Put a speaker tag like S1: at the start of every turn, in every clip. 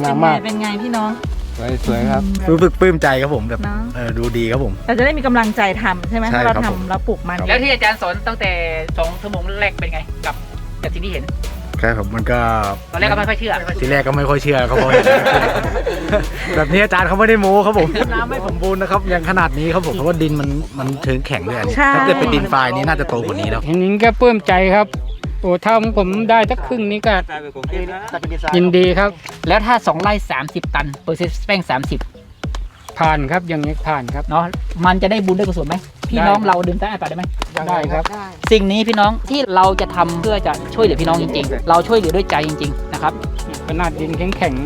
S1: มาก
S2: เป็นไงพี่น้อง
S1: สวยครับ
S3: รู้สึกปลื้มใจครับผมแบบ
S2: เนาะ
S3: ดูดีครับผม
S2: เราจะได้มีกำลังใจทำใช่ไหม
S3: ใช่
S2: ถ้าเรา
S3: ครับผม
S2: ทำเราปลูกมัน
S4: แล้วที่อาจารย์สอนตั้งแต่2 ชั่วโมงแรกเป็นไงกับสิ่งที่เห็น
S3: ครับผมมันก็
S4: ตอนแรกก็ไม่ค่อยเชื่อ
S3: ทีแรกก็ไม่ค่อยเชื่อครับผม แบบนี้อาจารย์เขาไม่ได้โม้ครับผมน้ำไม่สมบูรณ์นะครับอย่างขนาดนี้ครับผมเพราะว่าดินมันเชิงแข็งด้วยอันนี้
S2: ใช่
S3: ถ้าเกิดเป็นดินทรายนี้น่าจะโตกว่านี้แล้ว
S5: เห็นนี้ก็ปลื้มใจครับโอ้ถ้าผมได้สักครึ่งนี้ก็ยินดีครับ
S4: แล้วถ้า2 ไร่ 30 ตันเปอร์เซ็นต์แป้ง30
S5: ผ่านครับอย่างนี้ผ่านครับ
S4: เนาะมันจะได้บุญได้กุศลไหมพี่น้องเราดื่มใต้อาปากได้ไหม
S5: ได้ครับ
S4: สิ่งนี้พี่น้องที่เราจะทำเพื่อจะช่วยเหลือพี่น้องจริงๆ เราช่วยเหลือด้วยใจจริงๆนะครับ
S5: ขนาดดินแข็ง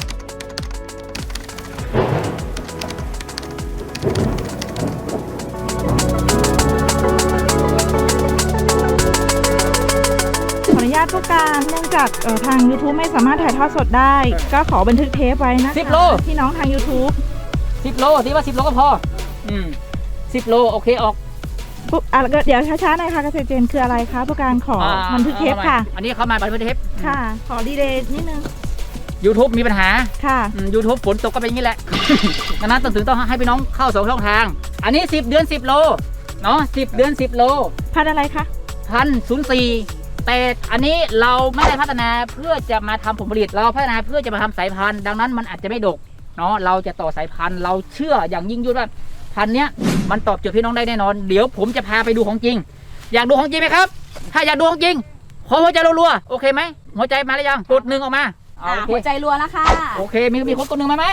S2: ขออนุญาตผู้การเนื่องจากทาง YouTube ไม่สามารถถ่ายทอดสดได้ ก็ขอบันทึกเทปไว้นะคะ
S4: 10 โล
S2: พี่น้องทาง YouTube
S4: 10 โลที่ว่า10 โลก็พอ10 โลโอเคออก
S2: ปุ๊บเดี๋ยวช้าๆหน่อยค่ะเกษตรเจนคืออะไรคะผู้การขอบันทึกเทปค่ะ
S4: อันนี้เข้ามาบันทึกเทป
S2: ค่ะ ขอดีเลย์นิดนึง
S4: YouTube มีปัญหา
S2: ค่ะ
S4: YouTube ฝนตกก็เป็นอย่างนี้แหละ ดังนั้นต้องให้พี่น้องเข้า2 ช่องทาง อันนี้10 เดือน 10 โลเนาะ10 เดือน 10 โล
S2: พันธุ์อะไรคะ
S4: 1,004แต่อันนี้เราไม่ได้พัฒนาเพื่อจะมาทำผลผลิตเราพัฒนาเพื่อจะมาทำสายพันธุ์ดังนั้นมันอาจจะไม่ดกเนาะเราจะต่อสายพันธุ์เราเชื่ออย่างยิ่งยวดว่าพันธุ์เนี้ยมันตอบโจทย์พี่น้องได้แน่นอนเดี๋ยวผมจะพาไปดูของจริง อยากดูของจริงไหมครับ ถ้าอยากดูของจริงขอหัวใจรัวๆโอเคไหมหัวใจมาหรือยังกด1ออกมาโอเค
S6: หัวใจรัวแล้วค่ะ
S4: โอเคมีคนกด1มาไหม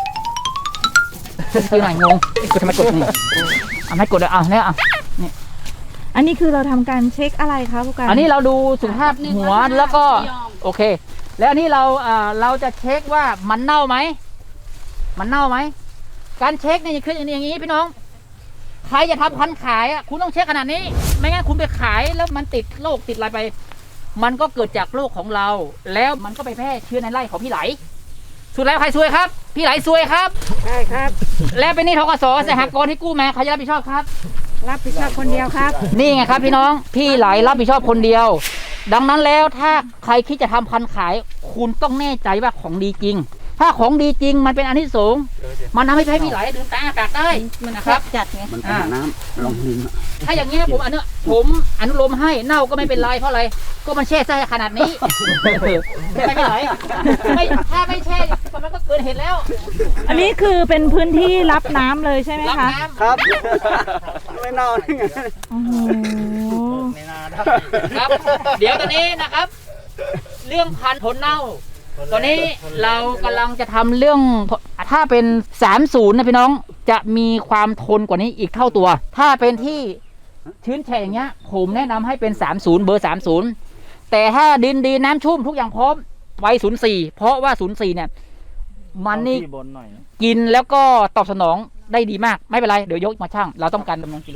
S4: คือหน่อยงงกดทำไมกด1เอาไม่กดเลยเอาเนี่ย
S2: อันนี้คือเราทำการเช็คอะไรคะผู้การ
S4: อันนี้เราดูสุขภาพหัวแล้วก็โอเค แล้วอันนี้เราจะเช็คว่ามันเน่าไหมการเช็คเนี่ยคืออย่างนี้พี่น้องใครจะทำพันธุ์ขายอ่ะคุณต้องเช็คขนาดนี้ไม่งั้นคุณไปขายแล้วมันติดโรคติดอะไรไป มันก็เกิดจากโรคของเรา แล้วมันก็ไปแพร่เชื้อในไร่ของพี่ไหลสุดแล้วใครซวยครับพี่ไหลซวยครับใช่ครับแล้วเป็นหนี้ธกสสหกรณ์ที่กู้มาใครจะรับผิดชอบครับ
S2: รับผิดชอบคนเดียวครับ
S4: นี่ไงครับพี่น้องพี่ไหลรับผิดชอบคนเดียว ดังนั้นแล้วถ้าใครคิดจะทำพันธุ์ขายคุณต้องแน่ใจว่าของดีจริง ถ้าของดีจริงมันเป็นอานิสงส์มันทำให้พี่ไหลดื่มตาอากาศได้นะครับ
S6: จัดไง
S7: มันเป็นน้ำลงดิน
S4: ถ้าอย่างเงี้ยผมอนุโลมให้เน่าก็ไม่เป็นไรเพราะอะไรก็มันแช่ไส้ขนาดนี้ไม่ไหลไม่ถ้าไม่แช่มันก็เกินเหตุแล้ว
S2: อันนี้คือเป็นพื้นที่รับน้ำเลยใช่ไหม
S4: รับ
S2: คะ
S4: น้ำ
S7: ครับ ไม่เน่าได้ไง
S2: โอ้โห
S4: ครับเดี๋ยวตอนนี้นะครับ เรื่องพันธุ์ผลเน่าตอนนี้เรากำลังจะทำเรื่องถ้าเป็น30นะพี่น้องจะมีความทนกว่านี้อีกเท่าตัว ถ้าเป็นที่ชื้นแฉะอย่างเงี้ยผมแนะนำให้เป็น30เบอร์30แต่ถ้าดินดีน้ำชุ่มทุกอย่างพร้อมไว้04เพราะว่า04เนี่ยมันนี่กินแล้วก็ตอบสนองได้ดีมากไม่เป็นไรเดี๋ยวยกมาช่างเราต้องการจำนวนกิโล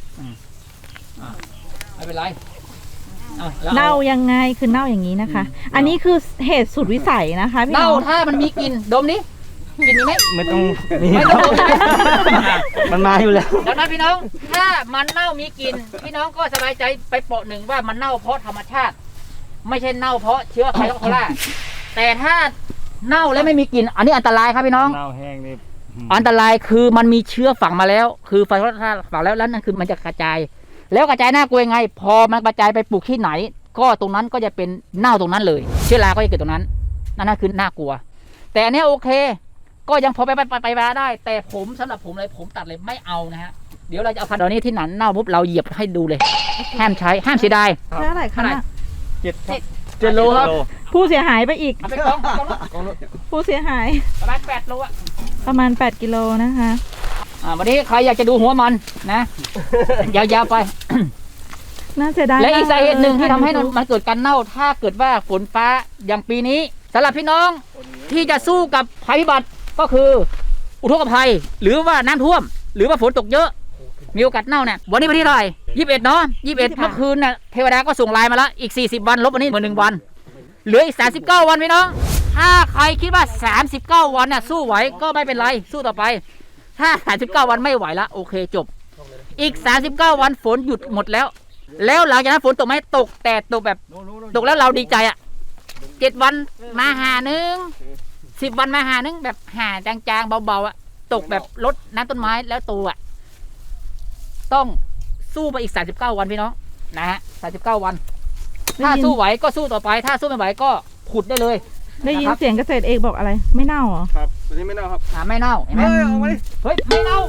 S4: ไม่เป็นไร
S2: เน่ายังไงคือเน่าอย่างนี้นะคะ อันนี้คือเหตุสุดวิสัยนะคะพี่
S4: เน่า
S2: น้อง
S4: ถ้ามันมีกลิ่นดมนี้กลิ่นมีไหม
S3: ไม่ต้อง
S4: ไม่ต้องดม
S3: มันมาอยู่แล้ว
S4: ดังนั้นพี่น้องถ้ามันเน่ามีกลิ่นพี่น้องก็สบายใจไปเปาะหนึ่งว่ามันเน่าเพราะธรรมชาติ ไม่ใช่เน่าเพราะเชื้อไวรัสโคโรนาแต่ถ้าเน่าแล้วไม่มีกลิ่นอันนี้อันตรายครับพี่น้อง
S3: เน่าแห้งนี่
S4: อันตรายคือมันมีเชื้อฝังมาแล้ว คือไวรัสฝังแล้วนั่นคือมันจะกระจาย แล้วกระจายน่ากลัวยังไง พอมันกระจายไปปลูกที่ไหน ก็ตรงนั้นก็จะเป็นเน่าตรงนั้นเลย เชื้อราก็จะเกิดตรงนั้นนั่นคือน่ากลัว แต่อันนี้โอเค ก็ยังพอไปมาได้ แต่ผมสำหรับผมเลยผมตัดเลยไม่เอานะฮะเดี๋ยวเราจะเอาพันธุ์นี้ที่หนันเน่าปุ๊บเราเหยียบให้ดูเลยห้ามใช้ห้ามเสียดาย
S2: เท่าไหร่คะ
S4: 7 โลครับ
S2: ผู้เสียหายไปอีก
S4: เอาไปกอง
S2: ผู้เสียหาย
S4: ประมาณ8 โลอะ
S2: ประมาณ8 กิโลนะคะ
S4: วันนี้ใครอยากจะดูหัวมันนะ ยาวๆไป
S2: น่าเสียดาย
S4: และอีกสาเหตุหนึ่งที่ทำให้
S2: มาก
S4: มันเกิดการเน่าถ้าเกิดว่าฝนฟ้าอย่างปีนี้สำหรับพี่น้องที่จะสู้กับภัยพิบัติก็คืออุทกภัยหรือว่าน้ำท่วม หรือว่าฝนตกเยอะ มีโอกาสเน่าเนี่ยวันนี้วันที่เท่าไหร่21เนาะ21เมื่อคืนน่ะเทวดาก็ส่งไลน์มาแล้วอีก40 วันลบวันนี้เหมือน1 วันเหลืออีก39 วันพี่น้องถ้าใครคิดว่า39 วันน่ะสู้ไหวก็ไม่เป็นไรสู้ต่อไปถ้า39 วันไม่ไหวละโอเคจบอีก39 วันฝนหยุดหมดแล้วหลังจากนั้นฝนตกไหมตกแต่ตกแบบตกแล้วเราดีใจอ่ะ7 วันมาหาหนึ่ง 10 วันมาหานึงแบบหาจางๆเบาๆอะตกแบบลดน้ำต้นไม้แล้วตัวอะต้องสู้ไปอีก39 วันพี่น้องนะฮะ39 วันถ้าสู้ไหวก็สู้ต่อไป ถ้าสู้ไม่ไหวก็ขุดได้เลย
S2: ได้ยิน
S4: นะครับ
S2: เสียงเกษตรเอกบอกอะไร ไม่เน่าเหรอ
S7: ครับตัวนี้ไม่เน่าครับ
S4: ไม่เน่าเห็นไหม
S7: เอามาดิ
S4: เฮ้ยไม่เน่า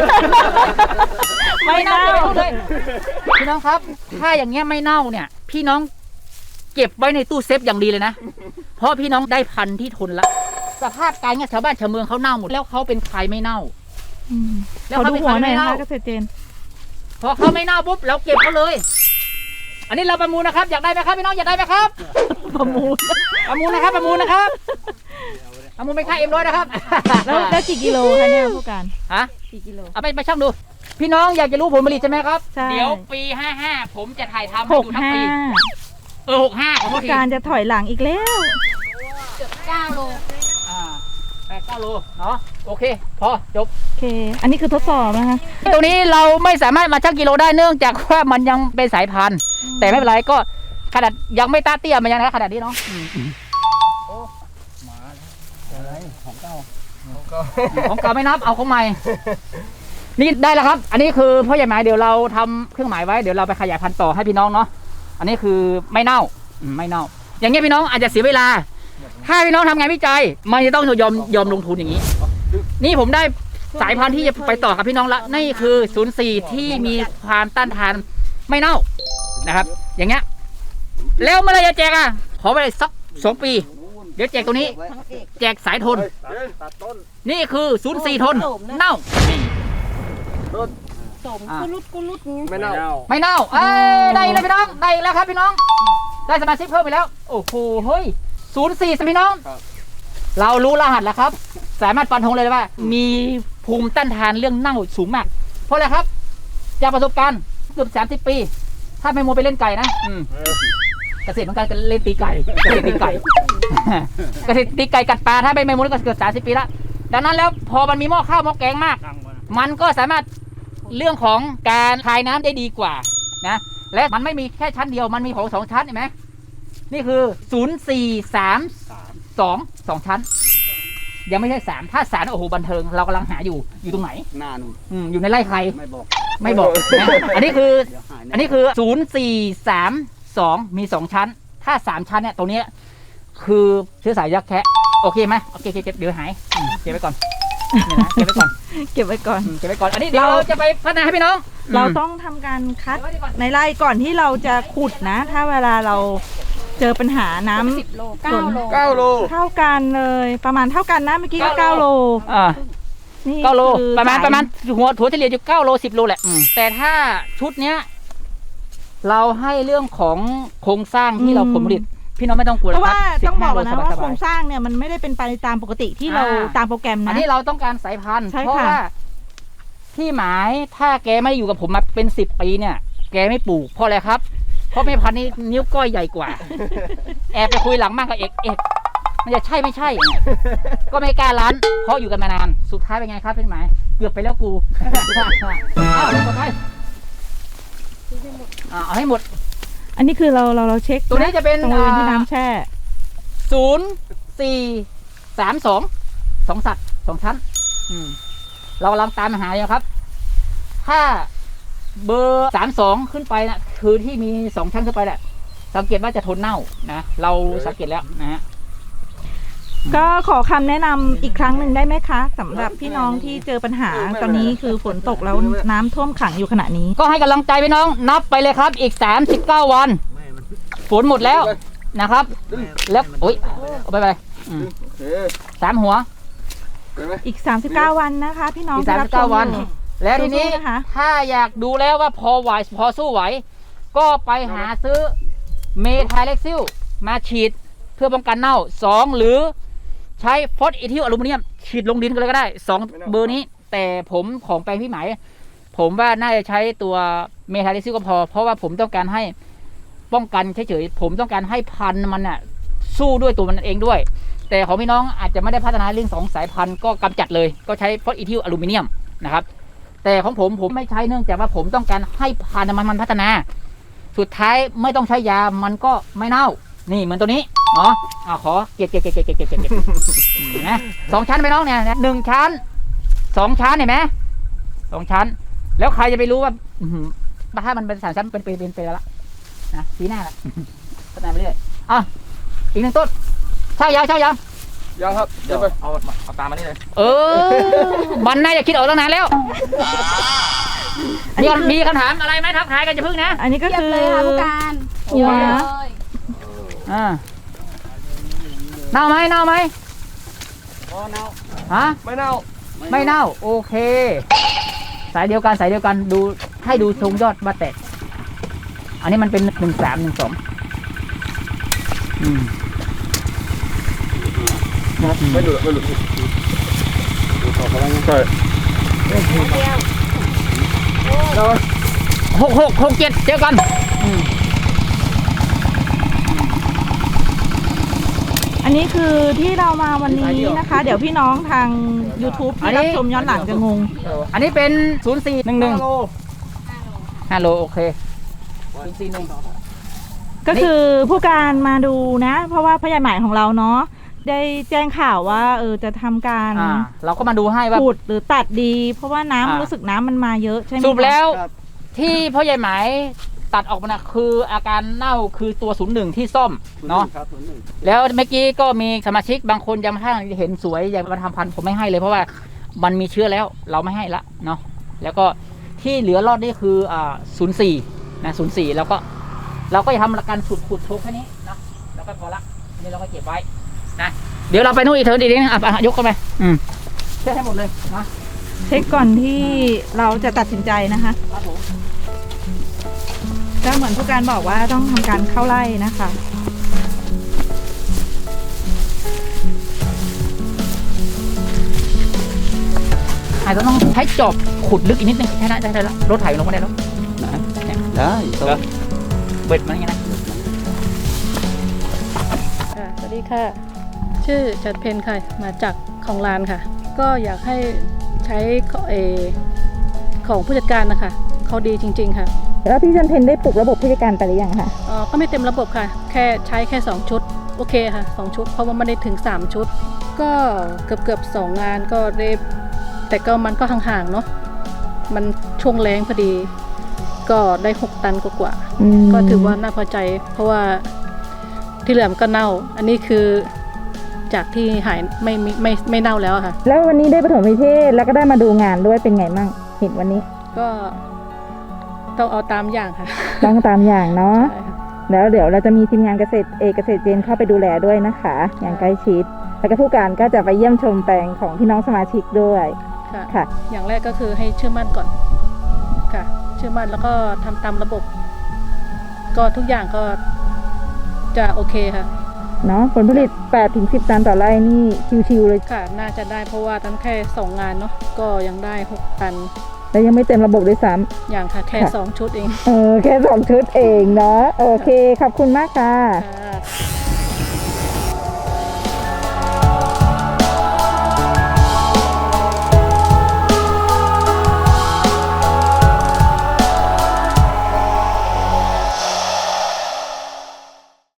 S4: ไม่เน่าเลยพี่น้องครับ ถ้าอย่างเงี้ยไม่เน่าเนี่ย พี่น้องเก็บไว้ในตู้เซฟอย่างดีเลยนะ เพราะพี่น้องได้พันธุ์ที่ทนละสภาพการเงี้ยชาวบ้านชาวเมืองเขาเน่าหมดแล้วเขาเป็นใครไม่เน่า
S2: อืม
S4: แล้ว
S2: ขอ
S4: เขา
S2: ดู
S4: เป็น
S2: หัว
S4: ใคร
S2: หน่อย
S4: ไม่
S2: นะ
S4: เน่า
S2: คะเกษตรเจน
S4: พอเขาไม่เน่าปุ๊บเราเก็บเขาเลย อันนี้เราประมูลนะครับ อยากได้ไหมครับพี่น้องอยากได้ไหมครับ
S2: ประมูล
S4: ประมูลนะครับประมูลนะครับประมูลเป็นค่าM100นะครับ
S2: แล้วกี่กิโลคะเนี่ยผู้การ
S4: ฮะ
S2: กี่กิโล
S4: เอาไปช่างดู พี่น้องอยากจะรู้ผลผลิตใช่ไหมครับ
S2: ใช่
S4: เดี๋ยวปี 55 ผมจะถ่ายทำให้
S2: หก
S4: ดูทั้ง
S2: ห้า
S4: ปี65ของ
S2: ผู้
S4: ที
S2: การจะถอยหลังอีกแล้ว
S4: 9 โล8-9 โลเนาะโอเค พอจบ
S2: โอเค อันนี้คือทดสอบนะคะ
S4: ตรงนี้เราไม่สามารถมาชั่งกิโลได้เนื่องจากว่ามันยังเป็นสายพันธุ์ แต่ไม่เป็นไรก็ขนาดยังไม่ตาเตี้ยมันยังนะขนาดนี้เนาะของเก่าไม่นับเอาของใหม่ นี่ได้แล้วครับ อันนี้คือพ่อใหญ่หมายเดี๋ยวเราทำเครื่องหมายไว้เดี๋ยวเราไปขยายพันธุ์ต่อให้พี่น้องเนาะอันนี้คือไม่เน่าไม่เน่า อย่างเงี้ยพี่น้องอาจจะเสียเวลา ถ้าพี่น้องทำงานวิจัยมันจะต้องยอมลงทุนอย่างนี้ นี่ผมได้สายพันธุ์ที่จะไปต่อกับพี่น้องละนี่คือ04ที่มีความต้านทานไม่เน่านะครับ อย่างเงี้ยแล้วเมื่อไรจะแจกอ่ะขอไปเลยสัก2 ปี เดี๋ยวแจกตัวนี้ แจกสายทน
S7: ตัดต้น
S4: นี่คือ04ทนเน่า
S7: ไม่เน่า
S4: ไม่เน่าได้เลยพี่น้องได้แล้วครับพี่น้อง ได้สมาชิกเพิ่มไปแล้วโอ้โหเฮ้ย04พี่น้อง เรารู้รหัสแล้วครับ สามารถฟันธงเลยว่า มีภูมิต้านทานเรื่องเน่าสูงมาก เพราะอะไรครับ จากประสบการณ์เกือบ30 ปี ถ้าไม่มัวไปเล่นไก่นะเกษตรของการเล่นตีไก่เกษตรตีไก่ เกษตรตีไก่กัดปลาถ้าไม่มัวก็เกือบ30 ปีละดังนั้นแล้วพอมันมีหม้อข้าวหม้อแกงมาก มันก็สามารถเรื่องของการคายน้ำได้ดีกว่านะและมันไม่มีแค่ชั้นเดียวมันมีของ2 ชั้นเห็นไหมนี่คือ2 ชั้น ยังไม่ใช่3ถ้า3โอ้โหบันเทิงเรากำลังหาอยู่ตรงไหน
S7: หน้านู่น
S4: อยู่ในไร่ใคร
S7: ไม่บอก
S4: นะอันนี้คือ
S7: เดี๋ยวหาย
S4: อันนี้คือ0432มี2 ชั้น ถ้า3 ชั้นเนี่ยตรงนี้คือเชื้อสายยักษ์แคะโอเคไหมโอเคเก็บเดี๋ยวหายเก็บไว้ก่อนเนี่ยนะเก็บไว้ก่อน
S2: เก็บไว้ก่อน
S4: เก็บไว้ก่อนอันนี้เดี๋ยวเราจะไปพัฒนาให้พี่น้อง
S2: เราต้องทำการคัดในไร่ก่อนที่เราจะขุดนะ ถ้าเวลาเราเจอปัญหาน้ำ9 โล
S7: 9 โล
S2: เท่ากันเลยประมาณเท่ากันนะเมื่อกี้ก็
S4: 9
S2: 9 โล นี่
S4: 9 โล
S2: คือ
S4: ประมาณ
S2: สย
S4: หัวถั่วเฉลี่ยอยู่9 โล 10 โลแหละแต่ถ้าชุดเนี้ยเราให้เรื่องของโครงสร้างที่เราผลผลิตพี่น้องไม่ต้องกลัว
S2: เพราะว่า
S4: 15
S2: ต้องบอกก่อนนะ
S4: โล
S2: ว่า
S4: สบยๆ
S2: โครงสร้างเนี่ยมันไม่ได้เป็นไปตามปกติที่เราตามโปรแกรม
S4: อัน
S2: นะ
S4: นี้เราต้องการสายพันธุ์
S2: ใช่
S4: เพราะ
S2: ค่ะ
S4: ว่าที่หมายถ้าแกไม่ได้อยู่กับผมมาเป็น10 ปีเนี่ย แกไม่ปลูกเพราะอะไรครับ เพราะแม่พันธุ์นี้นิ้วก้อยใหญ่กว่า แอบไปคุยหลังมากกับเอกมันจะใช่ไม่ใช่ ก็ไม่กล้าร้านเพราะอยู่กันมานานสุดท้ายเป็นไงครับพี่หมายเกือบไปแล้วกู เอาต่อไปเอาให้หมด
S2: อันนี้คือเราเช็ค
S4: ตัวนี้จะเป็น
S2: ตรงบริเวณที่น้ำแช่
S4: 2 สัตว์ 2 ชั้นเรากำลังตามหาอยู่ครับ ถ้าเบอร์32ขึ้นไปนะคือที่มี2 ชั้นขึ้นไปแหละสังเกตว่าจะทนเน่านะเราสังเกตแล้วนะฮะ
S2: ก็ขอคำแนะนำอีกครั้งหนึ่งได้ไหมคะสำหรับพี่น้องที่เจอปัญหาตอนนี้คือฝนตกแล้วน้ำท่วมขังอยู่ขณะนี้
S4: ก็ให้กำลังใจพี่น้องนับไปเลยครับอีก39 วันฝนหมดแล้วนะครับ แล้วโอ๊ยเอาไป3 หัว
S2: อีก39 วันนะคะ พี่น้อง
S4: อีก
S2: ที่รับชม
S4: 39 วัน
S2: อยู่
S4: แล้วทีนี้
S2: สู้ๆนะคะ
S4: ถ้าอยากดูแล้วว่าพอไหวพอสู้ไหว ก็ไปหาซื้อเมทาเล็กซิลมาฉีดเพื่อป้องกันเน่า2หรือใช้ฟอสเอทิลอลูมิเนียมฉีดลงดินกันเลยก็ได้2 เบอร์นี้ แต่ผมของแปลงพี่หมายผมว่าน่าจะใช้ตัวเมทาเล็กซิลก็พอเพราะว่าผมต้องการให้ป้องกันเฉยๆผมต้องการให้พันธุ์มันน่ะสู้ด้วยตัวมันเองด้วย แต่ของพี่น้องอาจจะไม่ได้พัฒนาเรื่อง2 สายพันธุ์ก็กำจัดเลยก็ใช้ฟอสเอทิลอลูมิเนียมนะครับแต่ของผมไม่ใช้เนื่องจากว่าผมต้องการให้พันธุ์มันพัฒนาสุดท้ายไม่ต้องใช้ยามันก็ไม่เน่านี่เหมือนตัวนี้เนาะขอเก็บนะ2 ชั้นไปน้องเนี่ย1 ชั้น 2 ชั้นเห็นไหม2 ชั้นแล้วใครจะไปรู้ว่าถ้ามันเป็น3 ชั้นเป็นแล้วละนะปีหน้าละพัฒนาไปเรื่อยอีก1 ต้นเช่ายาว
S7: ยังครับเดี๋ยวเอาตามมานี่เลย
S4: มันน่าจะคิดออกตั้งนานแล้วมีคำถามอะไรไหมทักทายกันจะพึ่งนะ
S2: อันนี้ก็คือ
S1: เลยค่ะผู้การ
S2: หัว
S4: เน่าไหม
S7: เน่า
S4: ฮะ
S7: ไม่เน่า
S4: ไม่เน่าโอเค สายเดียวกันดูให้ดูทรงยอดมาแตกอันนี้มันเป็น1312
S7: ไม่หลุดใช่
S4: 6 7เจอกัน
S2: อันนี้คือที่เรามาวันนี้นะคะ เดี๋ยวพี่น้องทาง YouTube ที่รับชมย้อนหลังจะงง
S4: อันนี้เป็น0411 5 โลโอเค041
S2: ก็คือผู้การมาดูนะ เพราะว่าพยาหมายของเราเนาะได้แจ้งข่าวว่าจะทำการ
S4: เราก็มาดูให้ว่า
S2: ขุดหรือตัดดี เพราะว่าน้ำรู้สึกน้ำมันมาเยอะใช่ไหม
S4: สรุปแล้วที่พ่อใหญ่หมายตัดออกมานะคืออาการเน่าคือตัว01ที่ซ่อมเนาะแล้วเมื่อกี้ก็มีสมาชิกบางคนยังไม่เห็นสวยยังมาทำพันธุ์ผมไม่ให้เลยเพราะว่ามันมีเชื้อแล้วเราไม่ให้ละเนาะแล้วก็ที่เหลือรอดนี่คือ04นะ04แล้วก็เราก็จะทำการขุดโชกแค่นี้เนาะแล้วก็พอละนี่เราก็เก็บไว้นะเดี๋ยวเราไปนู่นอีกเถอะดีๆนะยกกันไปเช็คให้หมดเลยนะ
S2: เช็คก่อนที่เราจะตัดสินใจนะคะ
S4: ครับผม
S2: ก็เหมือนผู้การบอกว่าต้องทำการเข้าไล่นะคะ
S4: อาจจะต้องใช้จอบขุดลึกอีกนิดนึงใช่ได้แล้วรถไถลงมาได้แล้วได้เบ็ดมันยังไงนะ
S1: สวัสดีค่ะ ชื่อจัดเพนค่ะ มาจากของลานค่ะ ก็อยากให้ใช้ของผู้จัดการนะคะเขาดีจริงๆค่ะ
S2: แล้วพี่จันเพนได้ปลุกระบบผู้จัดการไปหรือยังคะ
S1: ก็ไม่เต็มระบบค่ะ แค่ใช้แค่2 ชุดโอเคค่ะ2 ชุดเพราะว่าไม่ได้ถึง3 ชุด ก็เกือบ2 งานก็ได้แต่ก็มันก็ห่างๆเนาะมันช่วงแรงพอดี ก็ได้6 ตันกว่าๆก็ถือว่าน่าพอใจ เพราะว่าที่เหลือมันก็เน่า อันนี้คือจากที่หายไม่เน่าแล้วอะค่ะ
S2: แล้ววันนี้ได้ปฐมนิเทศแล้วก็ได้มาดูงานด้วยเป็นไงมั่งเห็นวันนี้
S1: ก็ต้องเอาตามอย่างค่ะ
S2: ต้องตามอย่างเนาะ
S1: ใช่ค่ะ
S2: แล้วเดี๋ยวเราจะมีทีมงานเกษตรเจนเข้าไปดูแลด้วยนะคะ อย่างใกล้ชิด แล้วก็ผู้การก็จะไปเยี่ยมชมแปลงของพี่น้องสมาชิกด้วย
S1: ค่ะ
S2: ค่ะ
S1: อย่างแรกก็คือให้เชื่อมั่นก่อนค่ะ เชื่อมั่นแล้วก็ทำตามระบบ ก็ทุกอย่างก็จะโอเคค่ะ
S2: เนาะผลผลิต 8-10 ตันต่อไร่นี่ชิวๆเลย
S1: ค่ะ น่าจะได้เพราะว่าตั้งแค่2 งานเนาะก็ยังได้6 ตัน
S2: แล้วยังไม่เต็มระบบด้วยซ้
S1: อย่างค่ะแค่
S2: ค่ะ
S1: 2 ชุดเอง
S2: ำแค่2 ชุดเองเนาะโอเคขอบคุณมากค่ะ
S1: ค่ะ